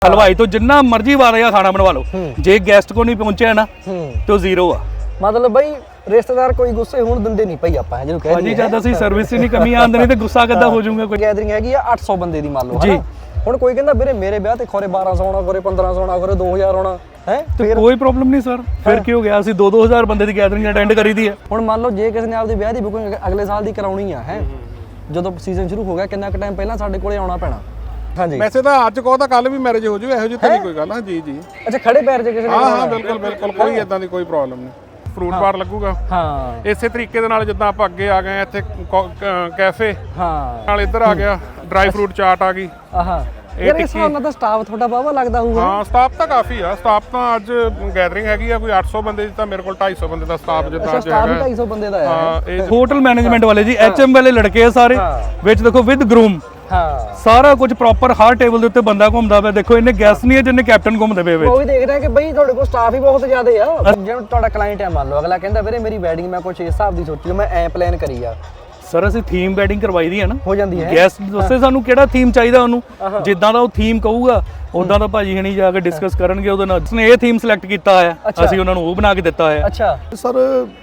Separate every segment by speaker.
Speaker 1: हलवाई तो जिन्ना मर्जी वादा खाना बनवा लो, जे गेस्ट को नहीं पहुंचे ना तो जीरो आ।
Speaker 2: मतलब बई रिश्तेदार कोई गुस्से होण दिंदे नहीं भाई ਆਪਾਂ ਜਿਹਨੂੰ ਕਹਿੰਦੇ
Speaker 1: ਭਾਜੀ ਜਦ ਅਸੀਂ ਸਰਵਿਸ ਹੀ ਨਹੀਂ ਕਮੀ ਆਂਦੇ ਨਹੀਂ ਤੇ ਗੁੱਸਾ ਕਿੱਦਾਂ ਹੋ ਜਾਊਗਾ ਕੋਈ।
Speaker 2: ਗੈਦਰਿੰਗ ਹੈਗੀ ਆ 800 ਬੰਦੇ ਦੀ ਮੰਨ ਲਓ ਹਨਾ। ਹੁਣ ਕੋਈ ਕਹਿੰਦਾ ਵੀਰੇ ਮੇਰੇ ਵਿਆਹ ਤੇ ਖੋਰੇ 1200 ਆਉਣਾ, ਖੋਰੇ 1500 ਆਉਣਾ, ਖੋਰੇ 2000 ਆਉਣਾ ਹੈ,
Speaker 1: ਤੇ ਕੋਈ ਪ੍ਰੋਬਲਮ ਨਹੀਂ ਸਰ। ਫਿਰ ਕੀ ਹੋ ਗਿਆ, ਅਸੀਂ 2-2000 ਬੰਦੇ ਦੀ ਗੈਦਰਿੰਗ ਅਟੈਂਡ ਕਰੀ ਦੀ ਹੈ।
Speaker 2: ਹੁਣ ਮੰਨ ਲਓ ਜੇ ਕਿਸੇ ਨੇ ਆਪਦੇ ਵਿਆਹ ਦੀ ਬੁਕਿੰਗ ਅਗਲੇ ਸਾਲ ਦੀ ਕਰਾਉਣੀ ਆ ਹੈ, ਜਦੋਂ ਸੀਜ਼ਨ ਸ਼ੁਰੂ ਹੋ ਗਿਆ ਕਿੰਨਾ ਕੁ ਟਾਈਮ ਪਹਿਲਾਂ ਸਾਡੇ ਕੋਲੇ ਆਉਣਾ ਪੈਣਾ? ਹਾਂਜੀ
Speaker 3: ਵੈਸੇ ਤਾਂ ਅੱਜ ਕਹੋ ਤਾਂ ਕੱਲ ਵੀ ਮੈਰਿਜ ਹੋ ਜੂ, ਇਹੋ ਜਿਹੀ ਤਾਂ ਨਹੀਂ ਕੋਈ ਗੱਲ। ਹਾਂ ਜੀ ਜੀ
Speaker 2: ਅੱਛਾ ਖੜੇ ਪੈਰ ਜੇ ਕਿਸੇ ਨੇ
Speaker 3: ਹਾਂ ਬਿਲਕੁਲ ਬਿਲਕੁਲ ਕੋਈ ਇਦਾਂ ਦੀ ਕੋਈ ਪ੍ਰੋਬਲਮ ਨਹੀਂ। ਫਰੂਟ ਬਾਰ ਲੱਗੂਗਾ
Speaker 2: ਹਾਂ
Speaker 3: ਇਸੇ ਤਰੀਕੇ ਦੇ ਨਾਲ ਜਿੱਦਾਂ ਆਪਾਂ ਅੱਗੇ ਆ ਗਏ ਇੱਥੇ ਕੈਫੇ
Speaker 2: ਹਾਂ
Speaker 3: ਨਾਲ ਇੱਧਰ ਆ ਗਿਆ ਡਰਾਈ ਫਰੂਟ ਚਾਟ ਆ ਗਈ।
Speaker 2: ਆਹਾ ਯਾਰ ਇਸ ਹਿਸਾਬ ਨਾਲ ਤਾਂ ਸਟਾਫ ਤੁਹਾਡਾ ਬਾਵਾ ਲੱਗਦਾ ਹੋਊਗਾ।
Speaker 3: ਹਾਂ ਸਟਾਫ ਤਾਂ ਕਾਫੀ ਆ। ਸਟਾਫ ਤਾਂ ਅੱਜ ਗੈਦਰਿੰਗ ਹੈਗੀ ਆ ਕੋਈ 800 ਬੰਦੇ ਦੀ, ਤਾਂ ਮੇਰੇ ਕੋਲ 250 ਬੰਦੇ ਦਾ ਸਟਾਫ ਜਿੱਦਾਂ ਅੱਜ
Speaker 2: ਸਟਾਫ
Speaker 3: ਹੈਗਾ।
Speaker 2: 250 ਬੰਦੇ ਦਾ ਹੈ।
Speaker 3: ਹਾਂ ਇਹ
Speaker 1: ਹੋਟਲ ਮੈਨੇਜਮੈਂਟ ਵਾਲੇ ਜੀ HM ਵਾਲੇ ਲੜਕੇ ਆ ਸਾਰੇ, ਵਿੱਚ ਦੇਖੋ ਵਿਦ ਗਰੂਮ
Speaker 2: ਹਾਂ
Speaker 1: ਸਾਰਾ ਕੁਝ ਪ੍ਰੋਪਰ ਹਰ ਟੇਬਲ ਦੇ ਉੱਤੇ ਬੰਦਾ ਘੁੰਮਦਾ ਪਿਆ। ਦੇਖੋ ਇਹਨੇ ਗੈਸ ਨਹੀਂ ਹੈ ਜਿੰਨੇ ਕੈਪਟਨ ਘੁੰਮਦੇ ਪਏ ਵਿੱਚ।
Speaker 2: ਉਹ ਵੀ ਦੇਖ ਰਿਹਾ ਕਿ ਬਈ ਤੁਹਾਡੇ ਕੋਲ ਸਟਾਫ ਹੀ ਬਹੁਤ ਜ਼ਿਆਦਾ ਆ। ਜਿਵੇਂ ਤੁਹਾਡਾ ਕਲਾਇੰਟ ਹੈ ਮੰਨ ਲਓ, ਅਗਲਾ ਕਹਿੰਦਾ ਵੀਰੇ ਮੇਰੀ ਵੈਡਿੰਗ ਮੈਂ ਕੁਛ ਇਸ ਹਿਸਾਬ ਦੀ ਸੋਚੀ, ਮੈਂ ਐ ਪਲਾਨ ਕਰੀ ਆ।
Speaker 1: ਸਰ ਅਸੀਂ ਥੀਮ ਵੈਡਿੰਗ ਕਰਵਾਈ ਦੀ ਹੈ ਨਾ,
Speaker 2: ਹੋ ਜਾਂਦੀ ਹੈ।
Speaker 1: ਗੈਸਟ ਦੱਸੇ ਸਾਨੂੰ ਕਿਹੜਾ ਥੀਮ ਚਾਹੀਦਾ ਉਹਨੂੰ, ਜਿੱਦਾਂ ਦਾ ਉਹ ਥੀਮ ਕਹੂਗਾ ਉਦਾਂ ਦਾ ਭਾਜੀ ਹਣੀ ਜਾ ਕੇ ਡਿਸਕਸ ਕਰਨਗੇ ਉਹਦੇ ਨਾਲ। ਉਸਨੇ ਇਹ ਥੀਮ ਸਿਲੈਕਟ ਕੀਤਾ ਹੈ, ਅਸੀਂ ਉਹਨਾਂ ਨੂੰ ਉਹ ਬਣਾ ਕੇ ਦਿੱਤਾ ਹੈ।
Speaker 2: ਅੱਛਾ
Speaker 4: ਸਰ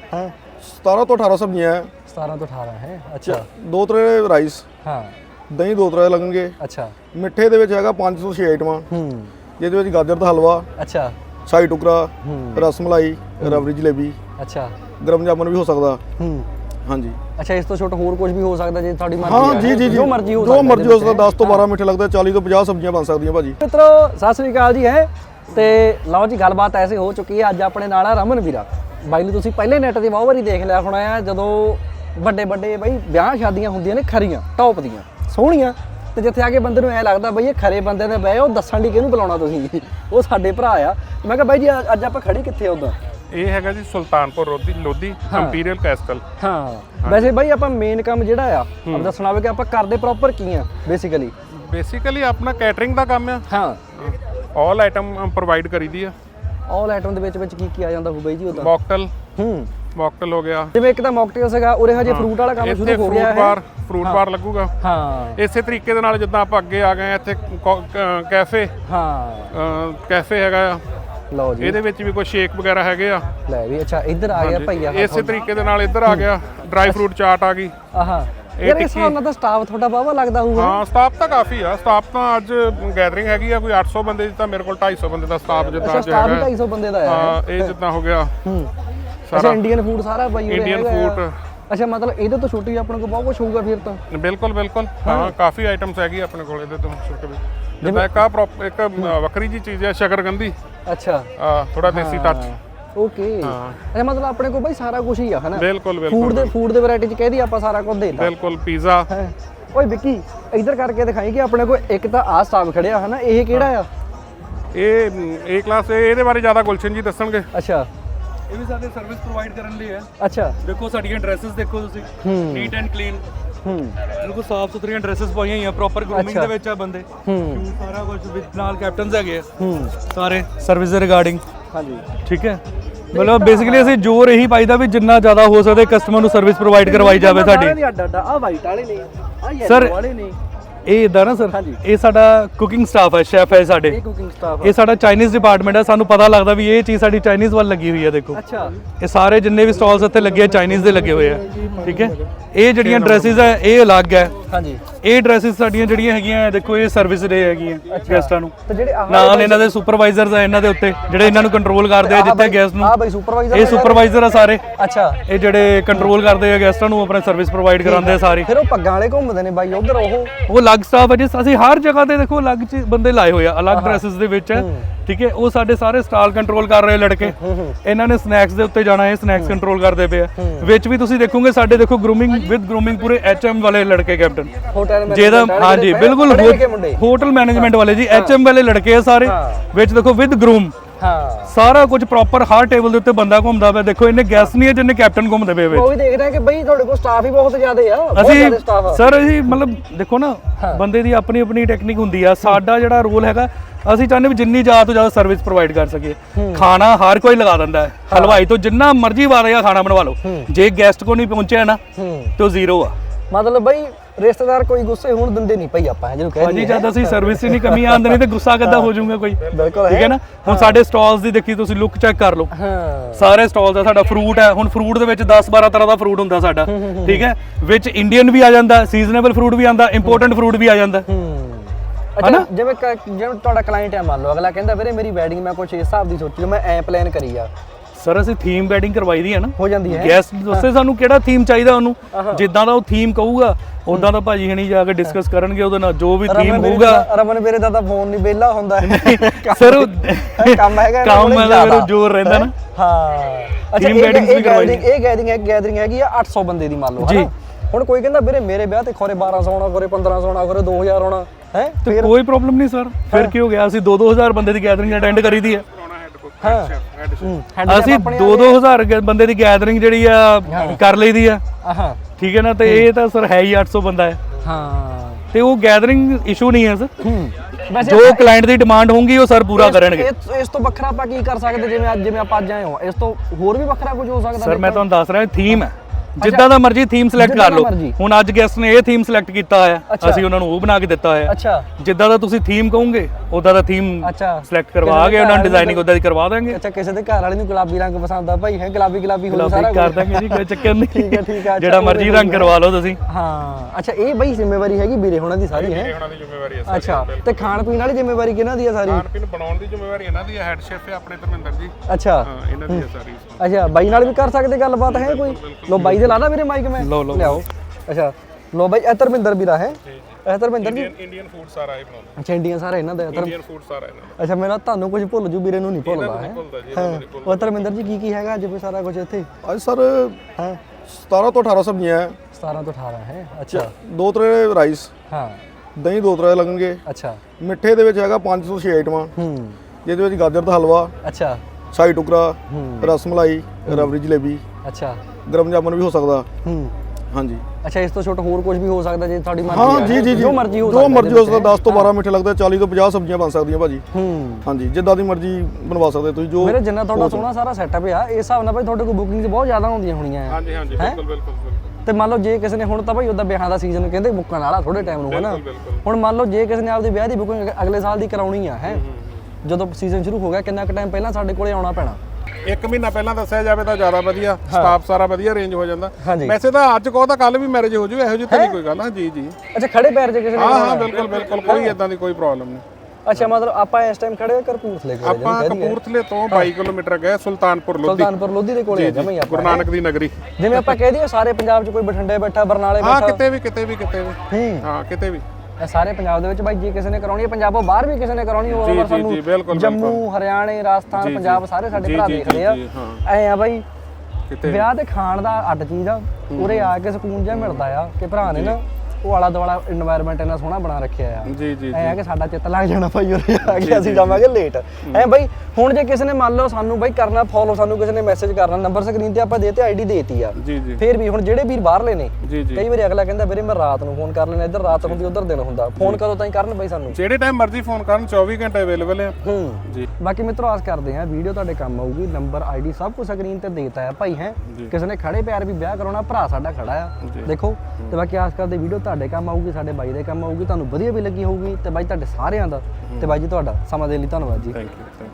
Speaker 4: 17 ਤੋਂ 18 ਸਬਜ਼ੀਆਂ ਹੈ।
Speaker 2: 17 ਤੋਂ 18 ਹੈ। ਅੱਛਾ
Speaker 4: 2 ਤਰ੍ਹਾਂ ਰਾਈਸ,
Speaker 2: ਹਾਂ
Speaker 4: ਦਹੀਂ 2 ਤਰ੍ਹਾਂ ਦੇ ਲੱਗਣਗੇ।
Speaker 2: ਅੱਛਾ
Speaker 4: ਮਿੱਠੇ ਦੇ ਵਿੱਚ ਹੈਗਾ 5 ਤੋਂ 6 ਆਈਟਮਾਂ, ਜਿਹਦੇ ਵਿੱਚ ਗਾਜਰ ਦਾ ਹਲਵਾ,
Speaker 2: ਅੱਛਾ
Speaker 4: ਸ਼ਾਹੀ ਟੁਕਰਾ, ਰਸ ਮਲਾਈ, ਰਬੜੀ ਜਲੇਬੀ,
Speaker 2: ਅੱਛਾ
Speaker 4: ਗਰਮ ਜਾਮਨ ਵੀ ਹੋ ਸਕਦਾ। ਹਾਂਜੀ
Speaker 2: ਅੱਛਾ ਇਸ ਤੋਂ ਛੋਟਾ ਹੋਰ ਕੁਝ ਵੀ ਹੋ ਸਕਦਾ ਜੇ ਤੁਹਾਡੀ ਮਰਜ਼ੀ
Speaker 4: ਹਾਂ ਜੀ ਜੀ
Speaker 2: ਜੋ ਮਰਜ਼ੀ ਹੋ
Speaker 4: ਜੋ ਮਰਜ਼ੀ ਹੋ ਸਕਦਾ। 10 ਤੋਂ 12 ਮਿੰਟ ਲੱਗਦਾ, 40 ਤੋਂ 50 ਸਬਜ਼ੀਆਂ ਬਣ ਸਕਦੀਆਂ ਭਾਜੀ।
Speaker 2: ਮਿੱਤਰੋ ਸਤਿ ਸ੍ਰੀ ਅਕਾਲ ਜੀ। ਹੈ ਤੇ ਲਓ ਜੀ ਗੱਲਬਾਤ ਐਸੇ ਹੋ ਚੁੱਕੀ ਹੈ। ਅੱਜ ਆਪਣੇ ਨਾਲ ਆ ਰਮਨ ਵੀਰਾ ਬਾਈ ਨੂੰ ਤੁਸੀਂ ਪਹਿਲੇ ਨੈਟ ਤੇ ਬਹੁਤ ਵਾਰੀ ਦੇਖ ਲਿਆ ਹੋਣਾ ਆ, ਜਦੋਂ ਵੱਡੇ ਵੱਡੇ ਬਈ ਵਿਆਹ ਸ਼ਾਦੀਆਂ ਹੁੰਦੀਆਂ ਨੇ ਖਰੀਆਂ ਟੌਪ ਦੀਆਂ ਸੋਹਣੀਆਂ, ਤੇ ਜਿੱਥੇ ਆ ਕੇ ਬੰਦੇ ਨੂੰ ਐ ਲੱਗਦਾ ਬਈ ਇਹ ਖਰੇ ਬੰਦੇ ਨੇ ਬਹਿ, ਉਹ ਦੱਸਣ ਲਈ ਕਿਹਨੂੰ ਬੁਲਾਉਣਾ ਤੁਸੀਂ, ਉਹ ਸਾਡੇ ਭਰਾ ਆ। ਮੈਂ ਕਿਹਾ ਬਾਈ ਜੀ ਅੱਜ ਆਪਾਂ ਖੜੀ ਕਿੱਥੇ ਉਦਾਂ?
Speaker 3: ਇਹ ਹੈਗਾ ਜੀ ਸੁਲਤਾਨਪੁਰ ਲੋਧੀ ਇੰਪੀਰੀਅਲ ਕੈਸਟਲ।
Speaker 2: ਹਾਂ ਵੈਸੇ ਬਾਈ ਆਪਾਂ ਮੇਨ ਕੰਮ ਜਿਹੜਾ ਆ ਆਪ ਦੱਸਣਾ ਹੋਵੇ ਕਿ ਆਪਾਂ ਕਰਦੇ ਪ੍ਰੋਪਰ ਕੀ ਆ
Speaker 3: ਬੇਸਿਕਲੀ ਆਪਣਾ ਕੈਟਰਿੰਗ ਦਾ ਕੰਮ ਆ।
Speaker 2: ਹਾਂ
Speaker 3: ਆਲ ਆਈਟਮ ਪ੍ਰੋਵਾਈਡ ਕਰੀਦੀ ਆ।
Speaker 2: ਆਲ ਆਈਟਮ ਦੇ ਵਿੱਚ ਕੀ ਆ ਜਾਂਦਾ ਹੋ ਬਾਈ ਜੀ ਉਦਾਂ?
Speaker 3: ਮੌਕਟੇਲ ਹੋ ਗਿਆ,
Speaker 2: ਜਿਵੇਂ ਇੱਕ ਤਾਂ ਮੌਕਟੇਲ ਸੀਗਾ, ਉਰੇ ਹਜੇ ਫਰੂਟ ਵਾਲਾ ਕੰਮ ਸ਼ੁਰੂ ਹੋ ਗਿਆ ਹੈ।
Speaker 3: ਫਰੂਟ ਬਾਰ ਲੱਗੂਗਾ
Speaker 2: ਹਾਂ
Speaker 3: ਇਸੇ ਤਰੀਕੇ ਦੇ ਨਾਲ ਜਿੱਦਾਂ ਆਪਾਂ ਅੱਗੇ ਆ ਗਏ ਇੱਥੇ ਕੈਫੇ ਕੈਫੇ ਹੈਗਾ ਆ।
Speaker 2: ਲਓ ਜੀ
Speaker 3: ਇਹਦੇ ਵਿੱਚ ਵੀ ਕੋਈ ਸ਼ੇਕ ਵਗੈਰਾ ਹੈਗੇ ਆ।
Speaker 2: ਲੈ ਵੀ ਅੱਛਾ ਇੱਧਰ ਆ ਗਿਆ ਭਈਆ।
Speaker 3: ਇਸੇ ਤਰੀਕੇ ਦੇ ਨਾਲ ਇੱਧਰ ਆ ਗਿਆ ਡਰਾਈ ਫਰੂਟ ਚਾਟ ਆ ਗਈ।
Speaker 2: ਆਹਾ ਯਾਰ ਇਸ ਹਿਸਾਬ ਨਾਲ ਤਾਂ ਸਟਾਫ ਤੁਹਾਡਾ ਬਾਵਾ ਲੱਗਦਾ ਹੋਊਗਾ।
Speaker 3: ਹਾਂ ਸਟਾਫ ਤਾਂ ਕਾਫੀ ਆ। ਸਟਾਫ ਤਾਂ ਅੱਜ ਗੈਦਰਿੰਗ ਹੈਗੀ ਆ ਕੋਈ 800 ਬੰਦੇ ਦੀ, ਤਾਂ ਮੇਰੇ ਕੋਲ 250 ਬੰਦੇ ਦਾ ਸਟਾਫ ਜਿੱਦਾਂ ਅੱਜ
Speaker 2: ਸਟਾਫ
Speaker 3: ਹੈਗਾ।
Speaker 2: 250 ਬੰਦੇ ਦਾ ਹੈ।
Speaker 3: ਹਾਂ ਇਹ ਜਿੱਦਾਂ ਹੋ ਗਿਆ
Speaker 2: ਅੱਛਾ ਇੰਡੀਅਨ ਫੂਡ ਸਾਰਾ ਬਾਈ
Speaker 3: ਇੰਡੀਅਨ ਫੂਡ।
Speaker 2: ਅੱਛਾ ਮਤਲਬ ਇਹਦੇ ਤੋਂ ਛੋਟੀ ਆਪਣੇ ਕੋਲ ਬਹੁਤ ਕੁਝ ਹੋਊਗਾ ਫਿਰ ਤਾਂ।
Speaker 3: ਬਿਲਕੁਲ ਬਿਲਕੁਲ ਹਾਂ ਕਾਫੀ ਆਈਟਮਸ ਹੈਗੀ ਆਪਣੇ ਕੋਲ ਇਹਦੇ ਤੋਂ ਛੋਟੇ ਵੀ। ਜਿੱਦਾਂ ਇੱਕ ਵੱਖਰੀ ਜੀ ਚੀਜ਼ ਹੈ ਸ਼ਕਰਕੰਦੀ।
Speaker 2: ਅੱਛਾ
Speaker 3: ਥੋੜਾ ਦੇਸੀ ਟੱਚ।
Speaker 2: ਓਕੇ ਅੱਛਾ ਮਤਲਬ ਆਪਣੇ ਕੋਲ ਬਾਈ ਸਾਰਾ ਕੁਝ ਹੀ ਆ ਹਨਾ।
Speaker 3: ਬਿਲਕੁਲ
Speaker 2: ਫੂਡ ਦੇ ਵੈਰਾਈਟੀ ਚ ਕਹਿਦੀ ਆਪਾਂ ਸਾਰਾ ਕੁਝ ਦੇਤਾ।
Speaker 3: ਬਿਲਕੁਲ ਪੀਜ਼ਾ।
Speaker 2: ਓਏ ਵਿੱਕੀ ਇੱਧਰ ਕਰਕੇ ਦਿਖਾਈ ਕਿ ਆਪਣੇ ਕੋਲ ਇੱਕ ਤਾਂ ਆਹ ਸਟਾਫ ਖੜਿਆ ਹਨਾ, ਇਹ ਕਿਹੜਾ ਆ?
Speaker 3: ਇਹ A ਕਲਾਸ। ਇਹਦੇ ਬਾਰੇ ਜ਼ਿਆਦਾ ਗੁਲਸ਼ਨ ਜੀ ਦੱਸਣਗੇ।
Speaker 2: ਅੱਛਾ
Speaker 1: ਇਹ ਵੀ ਸਾਡੇ ਸਰਵਿਸ ਪ੍ਰੋਵਾਈਡ ਕਰਨ ਲਈ ਹੈ।
Speaker 2: ਅੱਛਾ
Speaker 1: ਦੇਖੋ ਸਾਡੀਆਂ ਡਰੈਸਸ ਦੇਖੋ ਤੁਸੀਂ, ਨੀਟ ਐਂਡ ਕਲੀਨ, ਬਿਲਕੁਲ ਸਾਫ ਸੁਥਰੀਆਂ ਡਰੈਸਸ ਪਾਈਆਂ ਹੋਈਆਂ, ਪ੍ਰੋਪਰ ਗਰੂਮਿੰਗ ਦੇ ਵਿੱਚ ਆ ਬੰਦੇ। ਸਾਰਾ ਕੁਝ ਵਿਦ ਨਾਲ ਕੈਪਟਨਸ ਹੈਗੇ ਆ ਸਾਰੇ ਸਰਵਿਸ ਦੇ ਰਿਗਾਰਡਿੰਗ। ਹਾਂਜੀ ਠੀਕ ਹੈ। ਮਤਲਬ ਬੇਸਿਕਲੀ ਅਸੀਂ ਜ਼ੋਰ ਇਹੀ ਪਾਈਦਾ ਵੀ ਜਿੰਨਾ ਜ਼ਿਆਦਾ ਹੋ ਸਕੇ ਕਸਟਮਰ ਨੂੰ ਸਰਵਿਸ ਪ੍ਰੋਵਾਈਡ ਕਰਵਾਈ ਜਾਵੇ ਸਾਡੀ।
Speaker 2: ਆ ਵਾਈਟ ਵਾਲੇ ਨੇ, ਆ
Speaker 1: ਸਰ
Speaker 2: ਵਾਲੇ ਨੇ।
Speaker 1: ਇਹ ਇਦਾਂ ਨਾ ਸਰ, ਇਹ ਸਾਡਾ ਕੁਕਿੰਗ ਸਟਾਫ ਹੈ, ਸ਼ੈਫ ਹੈ ਸਾਡੇ।
Speaker 2: ਇਹ ਕੁਕਿੰਗ ਸਟਾਫ
Speaker 1: ਇਹ ਸਾਡਾ ਚਾਈਨੀਜ਼ ਡਿਪਾਰਟਮੈਂਟ ਹੈ। ਸਾਨੂੰ ਪਤਾ ਲੱਗਦਾ ਵੀ ਇਹ ਚੀਜ਼ ਸਾਡੀ ਚਾਈਨੀਜ਼ ਵੱਲ ਲੱਗੀ ਹੋਈ ਹੈ। ਦੇਖੋ
Speaker 2: ਅੱਛਾ
Speaker 1: ਇਹ ਸਾਰੇ ਜਿੰਨੇ ਵੀ ਸਟਾਲਸ ਇੱਥੇ ਲੱਗੇ ਆ ਚਾਈਨੀਜ਼ ਦੇ ਲੱਗੇ ਹੋਏ ਆ। ਠੀਕ ਹੈ। ਇਹ ਜਿਹੜੀਆਂ ਡਰੈਸਿਸ ਹੈ ਇਹ ਅਲੱਗ ਹੈ।
Speaker 2: ਹਾਂਜੀ ਇਹ
Speaker 1: ਡਰੈਸਿਸ ਸਾਡੀਆਂ ਜਿਹੜੀਆਂ ਹੈਗੀਆਂ ਦੇਖੋ ਇਹ ਸਰਵਿਸ ਡੇ ਹੈਗੀਆਂ ਗੈਸਟਾਂ ਨੂੰ।
Speaker 2: ਤੇ ਜਿਹੜੇ
Speaker 1: ਨਾਲ ਇਹਨਾਂ ਦੇ ਸੁਪਰਵਾਈਜ਼ਰਸ ਆ ਇਹਨਾਂ ਦੇ ਉੱਤੇ ਜਿਹੜੇ ਇਹਨਾਂ ਨੂੰ ਕੰਟਰੋਲ ਕਰਦੇ ਆ ਜਿੱਥੇ ਗੈਸਟ ਨੂੰ।
Speaker 2: ਆ ਬਈ ਸੁਪਰਵਾਈਜ਼ਰ,
Speaker 1: ਇਹ ਸੁਪਰਵਾਈਜ਼ਰ ਆ ਸਾਰੇ।
Speaker 2: ਅੱਛਾ
Speaker 1: ਇਹ ਜਿਹੜੇ ਕੰਟਰੋਲ ਕਰਦੇ ਆ ਗੈਸਟਾਂ ਨੂੰ, ਆਪਣਾ ਸਰਵਿਸ ਪ੍ਰੋਵਾਈਡ ਕਰਾਉਂਦੇ ਆ ਸਾਰੇ।
Speaker 2: ਫਿਰ ਉਹ ਪੱਗਾਂ ਵਾਲੇ ਘੁੰਮਦੇ ਨੇ ਬਾਈ ਉਧਰ। ਉਹ
Speaker 1: ਅਲੱਗ ਸਟਾਫ ਹੈ ਜੀ। ਅਸੀਂ ਹਰ ਜਗ੍ਹਾ ਤੇ ਦੇਖੋ ਅਲੱਗ ਬੰਦੇ ਲਾਏ ਹੋਏ ਆ ਅਲੱਗ ਡਰੈਸਿਸ ਦੇ ਵਿੱਚ। ਠੀਕ ਹੈ। ਉਹ ਸਾਡੇ ਸਾਰੇ ਸਟਾਲ ਕੰਟਰੋਲ ਕਰ ਰਹੇ ਲੜਕੇ। ਇਹਨਾਂ ਨੇ ਸਨੈਕਸ ਦੇ ਉੱਤੇ ਜਾਣਾ, ਇਹ ਸਨੈਕਸ ਕੰਟਰੋਲ ਕਰਦੇ ਪਏ ਆ। ਵਿੱਚ ਵੀ ਤੁਸੀਂ ਦੇਖੋਗੇ ਸਾਡੇ ਦੇਖੋ ਗਰੂਮਿੰਗ ਵਿਦ ਗਰੂਮਿੰਗ ਪੂਰੇ HM ਵਾਲੇ ਲੜਕੇ ਕੈਪਟਨ
Speaker 2: ਹੋਟਲ
Speaker 1: ਜਿਹਦਾ ਹਾਂਜੀ ਬਿਲਕੁਲ ਹੋਟਲ ਮੈਨੇਜਮੈਂਟ ਵਾਲੇ ਜੀ HM ਵਾਲੇ ਲੜਕੇ ਆ ਸਾਰੇ। ਵਿੱਚ ਦੇਖੋ ਵਿਦ ਗਰੂਮ ਸਾਰਾ ਕੁਝ ਪ੍ਰੋਪਰ ਹਰ ਟੇਬਲ ਦੇ ਉੱਤੇ ਬੰਦਾ ਘੁੰਮਦਾ ਪਿਆ। ਦੇਖੋ ਇਹਨੇ ਗੈਸ ਨਹੀਂ ਹੈ ਜਿੰਨੇ ਕੈਪਟਨ ਘੁੰਮਦੇ ਪਏ ਵਿੱਚ।
Speaker 2: ਉਹ ਵੀ ਦੇਖ ਰਿਹਾ ਕਿ ਬਈ ਤੁਹਾਡੇ ਕੋਲ ਸਟਾਫ ਹੀ ਬਹੁਤ ਜ਼ਿਆਦਾ ਆ।
Speaker 1: ਅਸੀਂ ਸਰ ਅਸੀਂ ਮਤਲਬ ਦੇਖੋ ਨਾ ਬੰਦੇ ਦੀ ਆਪਣੀ ਆਪਣੀ ਟੈਕਨੀਕ ਹੁੰਦੀ ਆ। ਸਾਡਾ ਜਿਹੜਾ ਰੋਲ ਹੈਗਾ ਅਸੀਂ ਚਾਹੁੰਦੇ ਵੀ ਜਿੰਨੀ ਜ਼ਿਆਦਾ ਤੋਂ ਜ਼ਿਆਦਾ ਸਰਵਿਸ ਪ੍ਰੋਵਾਈਡ ਕਰ ਸਕੀਏ। ਖਾਣਾ ਹਰ ਕੋਈ ਲਗਾ ਦਿੰਦਾ ਹੈ, ਹਲਵਾਈ ਤੋਂ ਜਿੰਨਾ ਮਰਜ਼ੀ ਵਾਦਾ ਖਾਣਾ ਬਣਵਾ ਲਓ, ਜੇ ਗੈਸਟ ਕੋ ਨਹੀਂ ਪਹੁੰਚਿਆ ਨਾ ਤਾਂ ਜ਼ੀਰੋ ਆ।
Speaker 2: ਮਤਲਬ ਬਈ ਰਿਸ਼ਤੇਦਾਰ ਕੋਈ ਗੁੱਸੇ ਹੋਣ ਦਿੰਦੇ ਨਹੀਂ ਭਾਈ ਆਪਾਂ ਜਿਹਨੂੰ ਕਹਿ
Speaker 1: ਭਾਜੀ ਜਦ ਅਸੀਂ ਸਰਵਿਸ ਹੀ ਨਹੀਂ ਕਮੀ ਆਉਂਦੀ ਨਹੀਂ ਤੇ ਗੁੱਸਾ ਕਿੱਦਾਂ ਹੋ ਜਾਊਗਾ ਕੋਈ।
Speaker 2: ਬਿਲਕੁਲ
Speaker 1: ਠੀਕ ਹੈ ਨਾ। ਹੁਣ ਸਾਡੇ ਸਟਾਲਸ ਦੀ ਦੇਖੀ ਤੁਸੀਂ ਲੁੱਕ ਚੈੱਕ ਕਰ ਲਓ,
Speaker 2: ਹਾਂ
Speaker 1: ਸਾਰੇ ਸਟਾਲਸ ਦਾ ਸਾਡਾ ਫਰੂਟ ਹੈ। ਹੁਣ ਫਰੂਟ ਦੇ ਵਿੱਚ 10-12 ਤਰ੍ਹਾਂ ਦਾ ਫਰੂਟ ਹੁੰਦਾ ਸਾਡਾ, ਠੀਕ ਹੈ, ਵਿੱਚ ਇੰਡੀਅਨ ਵੀ ਆ ਜਾਂਦਾ, ਸੀਜ਼ਨੇਬਲ ਫਰੂਟ ਵੀ ਆਉਂਦਾ, ਇੰਪੋਰਟੈਂਟ ਫਰੂਟ ਵੀ ਆ ਜਾਂਦਾ।
Speaker 2: ਅੱਛਾ ਜਿਵੇਂ ਜਿਵੇਂ ਤੁਹਾਡਾ ਕਲਾਇੰਟ ਹੈ ਮੰਨ ਲਓ, ਅਗਲਾ ਕਹਿੰਦਾ ਵੀਰੇ ਮੇਰੀ ਵੈਡਿੰਗ ਮੈਂ ਕੁਛ ਇਸ ਹਿਸਾਬ ਦੀ ਸੋਚੀ ਮੈਂ ਐ ਪਲਾਨ ਕਰੀ ਆ,
Speaker 1: ਸਰ ਅਸੀਂ ਥੀਮ ਵੈਡਿੰਗ ਕਰਵਾਈ ਦੀ ਹੈ ਨਾ,
Speaker 2: ਹੋ ਜਾਂਦੀ ਹੈ।
Speaker 1: ਗੈਸਟ ਦੱਸੇ ਸਾਨੂੰ ਕਿਹੜਾ ਥੀਮ ਚਾਹੀਦਾ ਉਹਨੂੰ, ਜਿੱਦਾਂ ਦਾ ਉਹ ਥੀਮ ਕਹੂਗਾ ਉਦਾਂ ਦਾ ਭਾਜੀ ਹਣੀ ਜਾ ਕੇ ਡਿਸਕਸ ਕਰਨਗੇ ਉਹਦੇ ਨਾਲ, ਜੋ ਵੀ ਥੀਮ ਹੋਊਗਾ।
Speaker 2: ਰਮਨ ਵੀਰੇ ਦਾ ਤਾਂ ਫੋਨ ਨਹੀਂ ਵਿਹਲਾ ਹੁੰਦਾ
Speaker 1: ਸਰ
Speaker 2: ਕੰਮ ਹੈਗਾ,
Speaker 1: ਕੰਮ ਦਾ ਜ਼ੋਰ ਰਹਿੰਦਾ ਨਾ।
Speaker 2: ਹਾਂ ਅੱਛਾ
Speaker 1: Team weddings ਵੀ ਕਰਵਾਈ।
Speaker 2: ਇਹ ਗੈਦਰਿੰਗ ਹੈਗੀ ਆ 800 ਬੰਦੇ ਦੀ ਮੰਨ ਲਓ ਹਨਾ। ਹੁਣ ਕੋਈ ਕਹਿੰਦਾ ਵੀਰੇ ਮੇਰੇ ਵਿਆਹ ਤੇ ਖੋਰੇ 1200 ਆਉਣਾ, ਖੋਰੇ 1500 ਆਉਣਾ, ਖੋਰੇ 2000 ਆਉਣਾ ਹੈ,
Speaker 1: ਤੇ ਕੋਈ ਪ੍ਰੋਬਲਮ ਨਹੀਂ ਸਰ। ਫਿਰ ਕੀ ਹੋ ਗਿਆ, ਅਸੀਂ 2-2000 ਬੰਦੇ ਦੀ ਗੈਦਰਿੰਗ ਅਟੈਂਡ ਕਰੀ ਦੀ ਹੈ। ਅਸੀਂ 2-2000 ਬੰਦੇ ਦੀ ਗੈਦਰਿੰਗ ਜਿਹੜੀ ਆ ਕਰ ਲਈਦੀ ਆ,
Speaker 2: ਹਾਂ
Speaker 1: ਠੀਕ ਹੈ ਨਾ। ਤੇ ਇਹ ਤਾਂ ਸਰ ਹੈ ਹੀ 800 ਬੰਦਾ ਹੈ,
Speaker 2: ਹਾਂ
Speaker 1: ਤੇ ਉਹ ਗੈਦਰਿੰਗ ਇਸ਼ੂ ਨਹੀਂ ਹੈ ਸਰ।
Speaker 2: ਵੈਸੇ
Speaker 1: ਜੋ ਕਲਾਇੰਟ ਦੀ ਡਿਮਾਂਡ ਹੋਊਗੀ ਉਹ ਸਰ ਪੂਰਾ ਕਰਨਗੇ।
Speaker 2: ਇਸ ਤੋਂ ਵੱਖਰਾ ਆਪਾਂ ਕੀ ਕਰ ਸਕਦੇ, ਜਿਵੇਂ ਆਪਾਂ ਅੱਜ ਆਏ ਹਾਂ, ਇਸ ਤੋਂ ਹੋਰ ਵੀ ਵੱਖਰਾ ਕੁਝ ਹੋ ਸਕਦਾ?
Speaker 1: ਸਰ ਮੈਂ ਤੁਹਾਨੂੰ ਦੱਸ ਰਿਹਾ ਥੀਮ ਹੈ, ਜਿੱਦਾਂ ਦਾ ਮਰਜ਼ੀ ਥੀਮ ਸਿਲੈਕਟ ਕਰ ਲਓ। ਹੁਣ ਅੱਜ ਗੈਸਟ ਨੇ ਇਹ ਥੀਮ ਸਿਲੈਕਟ ਕੀਤਾ ਹੋਇਆ, ਅਸੀਂ ਉਹਨਾਂ ਨੂੰ ਉਹ ਬਣਾ ਕੇ ਦਿੱਤਾ ਹੋਇਆ।
Speaker 2: ਅੱਛਾ
Speaker 1: ਜਿੱਦਾਂ ਦਾ ਤੁਸੀਂ ਥੀਮ ਕਹੋਗੇ ਉਦਾਂ ਦਾ ਥੀਮ ਸਿਲੈਕਟ ਕਰਵਾ ਕੇ ਉਹਨਾਂ ਨੂੰ ਡਿਜ਼ਾਈਨਿੰਗ ਉਦਾਂ ਦੀ ਕਰਵਾ ਦਾਂਗੇ।
Speaker 2: ਅੱਛਾ ਕਿਸੇ ਦੇ ਘਰ ਵਾਲੇ ਨੂੰ ਗੁਲਾਬੀ ਰੰਗ ਪਸੰਦ ਆ ਭਾਈ, ਹੈ ਗੁਲਾਬੀ ਹੋ ਸਾਰਾ
Speaker 1: ਕਰ ਦਾਂਗੇ ਜੀ, ਕੋਈ ਚੱਕਰ ਨਹੀਂ।
Speaker 2: ਠੀਕ ਹੈ
Speaker 1: ਜਿਹੜਾ ਮਰਜ਼ੀ ਰੰਗ ਕਰਵਾ ਲਓ ਤੁਸੀਂ।
Speaker 2: ਹਾਂ ਅੱਛਾ ਇਹ ਬਈ ਜ਼ਿੰਮੇਵਾਰੀ ਹੈਗੀ ਵੀਰੇ ਹੋਣਾ ਦੀ ਸਾਰੀ ਹੈ?
Speaker 3: ਉਹਨਾਂ ਦੀ ਜ਼ਿੰਮੇਵਾਰੀ ਹੈ।
Speaker 2: ਅੱਛਾ ਤੇ ਖਾਣ ਪੀਣ ਵਾਲੀ ਜ਼ਿੰਮੇਵਾਰੀ ਕਿਹਨਾਂ ਦੀ ਆ ਸਾਰੀ?
Speaker 3: ਖਾਣ ਪੀਣ ਬਣਾਉਣ ਦੀ ਜ਼ਿੰਮੇਵਾਰੀ ਇਹਨਾਂ ਦੀ ਹੈ, ਹੈਡ ਸ਼ੈਫ ਹੈ ਆਪਣੇ ਧਰਮਿੰਦਰ ਜੀ।
Speaker 2: ਅੱਛਾ
Speaker 3: ਹਾਂ ਇਹਨਾਂ ਦੀ ਹੈ ਸਾਰੀ।
Speaker 2: ਅੱਛਾ ਬਾਈ ਨਾਲ ਵੀ ਕਰ ਸਕਦੇ ਗੱਲਬਾਤ ਹੈ ਕੋਈ? ਲੋ ਬਾਈ ਦੇ ਲਾਣਾ ਵੀਰੇ ਮਾਈਕ ਮੈਂ ਲਿਆਓ। ਅੱਛਾ ਲੋ ਬਾਈ ਇਹ ਧਰਮਿੰਦਰ ਵੀਰਾ ਹੈ, ਇਹ ਧਰਮਿੰਦਰ ਜੀ
Speaker 3: ਇੰਡੀਅਨ ਫੂਡ ਸਾਰਾ ਇਹ ਬਣਾਉਂਦਾ।
Speaker 2: ਅੱਛਾ ਇੰਡੀਅਨ ਸਾਰਾ ਇਹਨਾਂ ਦਾ
Speaker 3: ਇੰਡੀਅਨ ਫੂਡ ਸਾਰਾ ਇਹਨਾਂ ਦਾ।
Speaker 2: ਅੱਛਾ ਮੇਰਾ ਤੁਹਾਨੂੰ ਕੁਝ ਭੁੱਲ ਜੂ, ਵੀਰੇ ਨੂੰ ਨਹੀਂ ਭੁੱਲਦਾ ਹੈ।
Speaker 3: ਹਾਂ
Speaker 2: ਉਹ ਧਰਮਿੰਦਰ ਜੀ ਕੀ ਹੈਗਾ ਅੱਜ ਵੀ ਸਾਰਾ ਕੁਝ ਇੱਥੇ?
Speaker 4: ਅੱਜ ਸਰ
Speaker 2: ਹਾਂ
Speaker 4: 17 ਤੋਂ 18 ਸਬਜ਼ੀਆਂ ਹੈ,
Speaker 2: 17 ਤੋਂ 18 ਹੈ। ਅੱਛਾ
Speaker 4: 2 ਤਰ੍ਹਾਂ ਦੇ ਰਾਈਸ,
Speaker 2: ਹਾਂ
Speaker 4: ਦਹੀਂ 2 ਤਰ੍ਹਾਂ ਦੇ ਲੱਗਣਗੇ।
Speaker 2: ਅੱਛਾ
Speaker 4: ਮਿੱਠੇ ਦੇ ਵਿੱਚ ਹੈਗਾ 5 ਤੋਂ 6 ਆਈਟਮਾਂ, ਜਿਹਦੇ ਵਿੱਚ ਗਾਜਰ ਦਾ ਹਲਵਾ,
Speaker 2: ਅੱਛਾ
Speaker 4: ਸ਼ਾਹੀ ਟੁਕਰਾ, ਰਸਮਲਾਈ, ਰਬੜੀ ਜਲੇਬੀ,
Speaker 2: ਅੱਛਾ
Speaker 4: ਗਰਮ ਜਾਮਨ ਵੀ ਹੋ ਸਕਦਾ। ਹਾਂਜੀ
Speaker 2: ਅੱਛਾ ਇਸ ਤੋਂ ਛੋਟਾ ਹੋਰ ਕੁਝ ਵੀ ਹੋ ਸਕਦਾ ਜੇ ਤੁਹਾਡੀ ਮਰਜ਼ੀ
Speaker 4: ਹਾਂ ਜੀ ਜੀ
Speaker 2: ਜੋ ਮਰਜ਼ੀ ਹੋ
Speaker 4: ਜੋ ਮਰਜ਼ੀ ਹੋ ਸਕਦਾ। 10 ਤੋਂ 12 ਮਿੰਟ ਲੱਗਦਾ, 40 ਤੋਂ 50 ਸਬਜ਼ੀਆਂ ਬਣ ਸਕਦੀਆਂ ਭਾਜੀ। ਹਾਂਜੀ ਜਿੱਦਾਂ ਦੀ ਮਰਜ਼ੀ ਬਣਵਾ ਸਕਦੇ ਤੁਸੀਂ। ਜੋ
Speaker 2: ਮੇਰੇ ਜਿੰਨਾ ਤੁਹਾਡਾ ਸੋਹਣਾ ਸਾਰਾ ਸੈਟਅਪ ਆ ਇਸ ਹਿਸਾਬ ਨਾਲ ਭਾਈ ਤੁਹਾਡੇ ਕੋਲ ਬੁਕਿੰਗਸ ਬਹੁਤ ਜ਼ਿਆਦਾ ਹੁੰਦੀਆਂ ਹੋਣੀਆਂ ਆ।
Speaker 3: ਹਾਂਜੀ ਹਾਂਜੀ ਬਿਲਕੁਲ।
Speaker 2: ਤੇ ਮੰਨ ਲਓ ਜੇ ਕਿਸੇ ਨੇ ਹੁਣ ਤਾਂ ਭਾਈ ਉਹਦਾ ਵਿਆਹਾਂ ਦਾ ਸੀਜ਼ਨ ਕਹਿੰਦੇ ਬੁੱਕਣ ਵਾਲਾ ਥੋੜੇ ਟਾਈਮ ਨੂੰ ਹੈ ਨਾ। ਹੁਣ ਮੰਨ ਲਓ ਜੇ ਕਿਸੇ ਨੇ ਆਪਦੇ ਵਿਆਹ ਦੀ ਬੁਕਿੰਗ ਅਗਲੇ ਸਾਲ ਦੀ ਕਰਾਉਣੀ ਆ ਹੈ, ਜਦੋਂ ਸੀਜ਼ਨ ਸ਼ੁਰੂ ਹੋ ਗਿਆ ਕਿੰਨਾ ਕੁ ਟਾਈਮ ਪਹਿਲਾਂ ਸਾਡੇ ਕੋਲੇ ਆਉਣਾ ਪੈਣਾ?
Speaker 3: 1 ਮਹੀਨਾ ਪਹਿਲਾਂ ਦੱਸਿਆ ਜਾਵੇ ਤਾਂ ਜ਼ਿਆਦਾ ਵਧੀਆ, ਸਟਾਫ ਸਾਰਾ ਵਧੀਆ ਅਰੇਂਜ ਹੋ ਜਾਂਦਾ।
Speaker 2: ਹਾਂਜੀ।
Speaker 3: ਵੈਸੇ ਤਾਂ ਅੱਜ ਕਹੋ ਤਾਂ ਕੱਲ ਵੀ ਮੈਰਿਜ ਹੋ ਜੂ, ਇਹੋ ਜਿਹੀ ਤਾਂ ਨਹੀਂ ਕੋਈ ਗੱਲ। ਹਾਂ ਜੀ ਜੀ
Speaker 2: ਅੱਛਾ ਖੜੇ ਪੈਰ ਜੇ ਕਿਸੇ ਨੇ
Speaker 3: ਹਾਂ ਬਿਲਕੁਲ ਕੋਈ ਇਦਾਂ ਦੀ ਕੋਈ ਪ੍ਰੋਬਲਮ ਨਹੀਂ।
Speaker 2: ਅੱਛਾ ਮਤਲਬ ਆਪਾਂ ਇਸ ਟਾਈਮ ਖੜੇ ਕਪੂਰਥਲੇ ਕੋਲ?
Speaker 3: ਆਪਾਂ ਕਪੂਰਥਲੇ ਤੋਂ 22 ਕਿਲੋਮੀਟਰ ਗਏ ਸੁਲਤਾਨਪੁਰ ਲੋਧੀ
Speaker 2: ਦੇ ਕੋਲੇ ਆ ਜਮਈ ਆਪਾਂ
Speaker 3: ਗੁਰੂ ਨਾਨਕ ਦੀ ਨਗਰੀ।
Speaker 2: ਜਿਵੇਂ ਆਪਾਂ ਕਹਿ ਦਈਏ ਸਾਰੇ ਪੰਜਾਬ 'ਚ ਕੋਈ ਬਠਿੰਡੇ ਬੈਠਾ, ਬਰਨਾਲੇ
Speaker 3: ਹਾਂ
Speaker 2: ਬੈਠਾ,
Speaker 3: ਕਿਤੇ ਵੀ ਹਾਂ ਕਿਤੇ ਵੀ।
Speaker 2: ਇਹ ਸਾਰੇ ਪੰਜਾਬ ਦੇ ਵਿੱਚ ਬਾਈ ਜੇ ਕਿਸੇ ਨੇ ਕਰਾਉਣੀ ਹੈ, ਪੰਜਾਬੋਂ ਬਾਹਰ ਵੀ ਕਿਸੇ ਨੇ ਕਰਾਉਣੀ ਹੋਵੇ, ਸਾਨੂੰ ਜੰਮੂ, ਹਰਿਆਣੇ, ਰਾਜਸਥਾਨ, ਪੰਜਾਬ ਸਾਰੇ ਸਾਡੇ ਭਰਾ ਦੇਖਦੇ ਆ। ਐ ਆ ਬਾਈ ਵਿਆਹ ਤੇ ਖਾਣ ਦਾ ਅੱਡ ਚੀਜ਼ ਆ, ਉਰੇ ਆ ਕੇ ਸਕੂਨ ਜਿਹਾ ਮਿਲਦਾ ਆ ਕਿ ਭਰਾ ਨੇ ਨਾ ਉਹ ਆਲਾ ਦੁਆਲਾ এনवायरमेंट ਇੰਨਾ ਸੋਹਣਾ ਬਣਾ ਰੱਖਿਆ ਆ।
Speaker 3: ਜੀ
Speaker 2: ਐ ਆ ਕਿ ਸਾਡਾ ਚਿੱਤ ਲੱਗ ਜਾਣਾ ਭਾਈ ਉਰੇ ਆ ਕੇ ਅਸੀਂ ਜਾਵਾਂਗੇ ਲੇਟ। ਐ ਬਾਈ ਹੁਣ ਜੇ ਕਿਸੇ ਨੇ ਮੰਨ ਲਓ ਸਾਨੂੰ ਬਾਈ ਕਰਨਾ ਫੋਲੋ, ਸਾਨੂੰ ਕਿਸੇ ਨੇ ਮੈਸੇਜ ਕਰਨਾ, ਨੰਬਰ ਸਕਰੀਨ ਤੇ ਆਪਾਂ ਦੇਤੇ, ਆਈਡੀ ਦੇਤੀ ਆ।
Speaker 3: ਜੀ
Speaker 2: ਫੇਰ ਵੀ ਹੁਣ ਜਿਹੜੇ ਵੀਰ ਬਾਹਰਲੇ ਨੇ
Speaker 3: ਜੀ
Speaker 2: ਕਈ ਵਾਰੀ ਅਗਲਾ ਕਹਿੰਦਾ ਵੀਰੇ ਮੈਂ ਰਾਤ ਨੂੰ ਫੋਨ ਕਰ ਲੈਣਾ, ਇੱਧਰ ਰਾਤ ਹੁੰਦੀ ਉੱਧਰ ਦਿਨ ਹੁੰਦਾ, ਫੋਨ ਕਦੋਂ ਤਾਈਂ ਕਰਨ ਬਾਈ ਸਾਨੂੰ?
Speaker 3: ਜਿਹੜੇ ਟਾਈਮ ਮਰਜ਼ੀ ਫੋਨ ਕਰਨ, 24 ਘੰਟੇ ਅਵੇਲੇਬਲ ਆ ਜੀ।
Speaker 2: ਬਾਕੀ ਮਿੱਤਰੋ ਆਸ ਕਰਦੇ ਆ ਵੀਡੀਓ ਤੁਹਾਡੇ ਕੰਮ ਆਊਗੀ, ਨੰਬਰ ਆਈਡੀ ਸਭ ਕੁਝ ਸਕਰੀਨ ਤੇ ਦੇਤਾ ਹੈ ਭਾਈ ਹੈ। ਕਿਸੇ ਨੇ ਖੜੇ ਪੈਰ ਵੀ ਵਿਆਹ ਕਰਾਉਣਾ, ਭਰਾ ਸਾਡਾ ਖੜਾ ਆ ਦੇਖੋ। ਤੇ ਬਾਕੀ ਆਸ ਕਰਦੇ ਵੀਡੀਓ ਤੁਹਾਡੇ ਕੰਮ ਆਊਗੀ, ਸਾਡੇ ਬਾਈ ਦੇ ਕੰਮ ਆਊਗੀ, ਤੁਹਾਨੂੰ ਵਧੀਆ ਵੀ ਲੱਗੀ ਹੋਊਗੀ। ਤੇ ਬਾਈ ਤੁਹਾਡੇ ਸਾਰਿਆਂ ਦਾ ਤੇ ਬਾਈ ਜੀ ਤੁਹਾਡਾ ਸਮਾਂ ਦੇਣ ਲਈ ਧੰਨਵਾਦ ਜੀ।
Speaker 3: Thank you.